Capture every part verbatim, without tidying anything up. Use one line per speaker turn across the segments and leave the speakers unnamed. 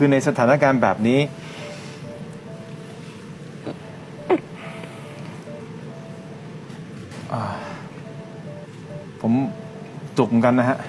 คือในสถานการณ์แบบนี้ผมจุกเหมือนกันนะฮะ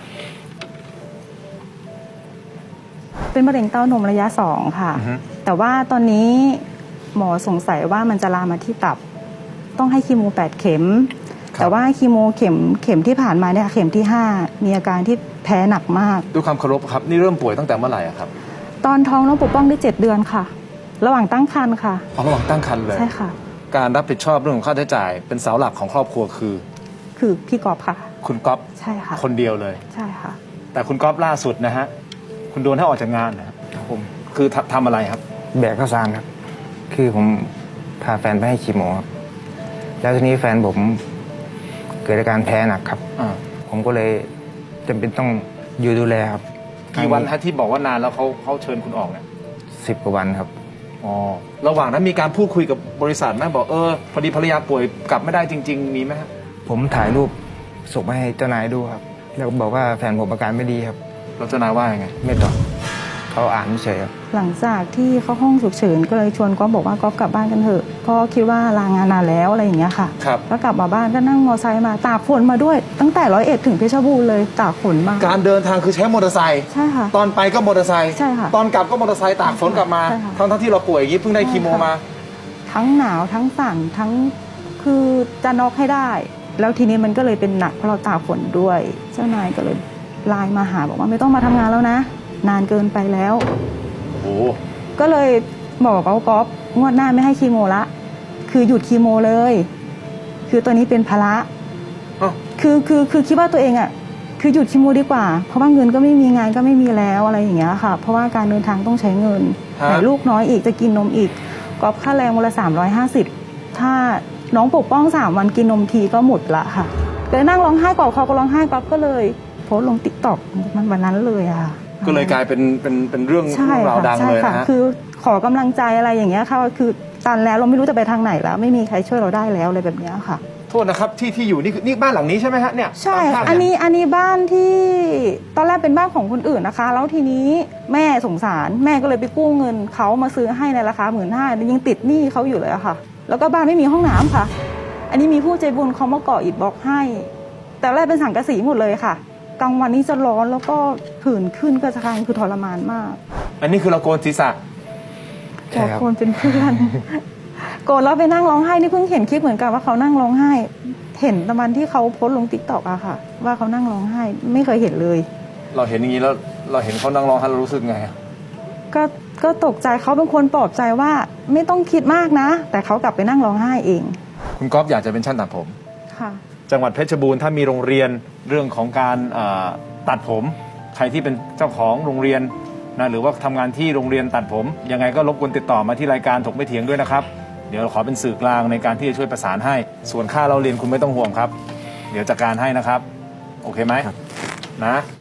เป็นมะเร็งเต้านมระยะสองค่ะ แต่ว่าตอนนี้หมอสงสัยว่ามันจะลามมาที่ตับต้องให้คีโมแปดเข็มแต่ว่าคีโมเข็มเข็มที่ผ่านมาเนี่ยเข็มที่ห้ามีอาการที่แพ้หนักมาก
ด้วยความเคารพครับนี่เริ่มป่วยตั้งแต่เมื่อไหร่ครับ
ตอนท้องน้องปกป้องได้เจ็ดเดือนค่ะระหว่างตั้งครรภ์ค่ะ
ระหว่างตั้งครรภ์เลย
ใช่ค่ะ
การรับผิดชอบเรื่องของค่าใช้จ่ายเป็นเสาหลักของครอบครัวคือ
คือพี่กอบค่ะ
คุณก๊อฟ
ใช่ค่ะ
คนเดียวเลย
ใช่ค่ะ
แต่คุณก๊อฟล่าสุดนะฮะคุณโดนให้ออกจากงานนะครับผมคือทำอะไรครับ
แบกข้าวสารครับคือผมพาแฟนไปให้คีโมครับแล้วทีนี้แฟนผมเกิดอาการแพ้หนักครับผมก็เลยจำเป็นต้องอยู่ดูแลครับ
กี่วันฮะที่บอกว่านานแล้วเขาเขาเชิญคุณออกเนี่ย
สิบกว่าวันครับ
อ๋อระหว่างนั้นมีการพูดคุยกับบริษัทไหมบอกเออพอดีภรรยาป่วยกลับไม่ได้จริงๆมีไหมครับ
ผมถ่ายรูปส่งไปให้เจ้านายดูครับแล้วก็บอกว่าแฟนผมอาการไม่ดีครับ
แล้วเจ้านายว่ายังไง
ไม่ตอบเขาอ่านเฉยครับ
หลังจากที่เข้าห้องฉุกเฉินก็เลยชวนก๊อฟบอกว่าก๊อฟกลับบ้านกันเถอะเพราะคิดว่าลางานนานแล้วอะไรอย่างเงี้ยค่ะ
ครับ
ก็กลับมาบ้านก็นั่งมอเตอร์ไซค์มาตากฝนมาด้วยตั้งแต่ร้อยเอ็ดถึงเพชรบูรณ์เลยตากฝนมา
การเดินทางคือใช้มอเตอร์ไซค์
ใช่ค่ะ
ตอนไปก็มอเตอร์ไซค์
ใช่ค่ะ
ตอนกลับก็มอเตอร์ไซค์ตากฝนกลับมาทั้งทั้งที่เราป่วยอย่างนี้เพิ่งได้คีโมมา
ทั้งหนาวทั้งสั่นทั้งคือจะน็อกให้ได้แล้วทีนี้มันก็เลยเป็นหนักเพราะเราตากฝนด้วยเจ้านายก็เลยไลน์มาหาบอกว่าไม่ต้องมาทำงานแล้วนะนานเกินไปแล้ว
โอ้
ก็เลยบอกกับก๊อฟงวดหน้าไม่ให้คีโมละคือหยุดคีโมเลยคือตัวนี้เป็นภาระคือคือคือคิดว่าตัวเองอ่ะคือหยุดคีโมดีกว่าเพราะว่าเงินก็ไม่มีงานก็ไม่มีแล้วอะไรอย่างเงี้ยค่ะเพราะว่าการเดินทางต้องใช้เงินแต่ลูกน้อยอีกจะกินนมอีกก๊อฟค่าแรงวันละสามร้อยห้าสิบถ้าน้องปกป้องสามวันกินนมทีก็หมดละค่ะเลยนั่งร้องไห้กอดเขาก็ร้องไห้ก๊อฟก็เลยโพสต์ลงติ๊กต็อกมันวันนั้นเลยอะ
ก็เลยกลายเป็นเป็นเป็นเรื่องราวดังเลยนะฮะ
คือขอกำลังใจอะไรอย่างเงี้ยค่ะคือตันแล้วเราไม่รู้จะไปทางไหนแล้วไม่มีใครช่วยเราได้แล้วอะไรแบบนี้ค่ะ
โทษนะครับที่ที่อยู่นี่คือนี่บ้านหลังนี้ใช่ไหมฮะเนี่ย
ใช่อันนี้อันนี้บ้านที่ตอนแรกเป็นบ้านของคนอื่นนะคะแล้วทีนี้แม่สงสารแม่ก็เลยไปกู้เงินเขามาซื้อให้ในราคาหมื่นห้ายังติดหนี้เขาอยู่เลยอะค่ะแล้วก็บ้านไม่มีห้องน้ำค่ะอันนี้มีผู้ใจบุญเขามาก่ออิฐบล็อกให้แต่แรกเป็นสังกะสีหมดเลยค่ะกลางวันนี้จะร้อนแล้วก็ผื่นขึ้นก็จะคลายคือทรมานมาก
อันนี้คือเราโกนศีรษะ
โกนเป็นเพื่อนโกนแล้วไปนั่งร้องไห้นี่เพิ่งเห็นคลิปเหมือนกันว่าเขานั่งร้องไห้เห็นตะวันที่เขาโพสต์ลงติ๊กต็อกอะค่ะว่าเขานั่งร้องไห้ไม่เคยเห็นเลย
เราเห็นอย่างนี้แล้วเราเห็นเขานั่งร้องไห้เรารู้สึกไง
ก็ก็ตกใจเขาเป็นคนปลอบใจว่าไม่ต้องคิดมากนะแต่เขากลับไปนั่งร้องไห้เอง
คุณก๊อฟอยากจะเป็นช่างตัดผม
ค่ะ
จังหวัดเพชรบูรณ์ถ้ามีโรงเรียนเรื่องของการตัดผมใครที่เป็นเจ้าของโรงเรียนนะหรือว่าทำงานที่โรงเรียนตัดผมยังไงก็รบกวนติดต่อมาที่รายการถกไม่เถียงด้วยนะครับเดี๋ยวขอเป็นสื่อกลางในการที่จะช่วยประสานให้ส่วนค่าเราเรียนคุณไม่ต้องห่วงครับเดี๋ยวจัดการให้นะครับโอเคไหมนะ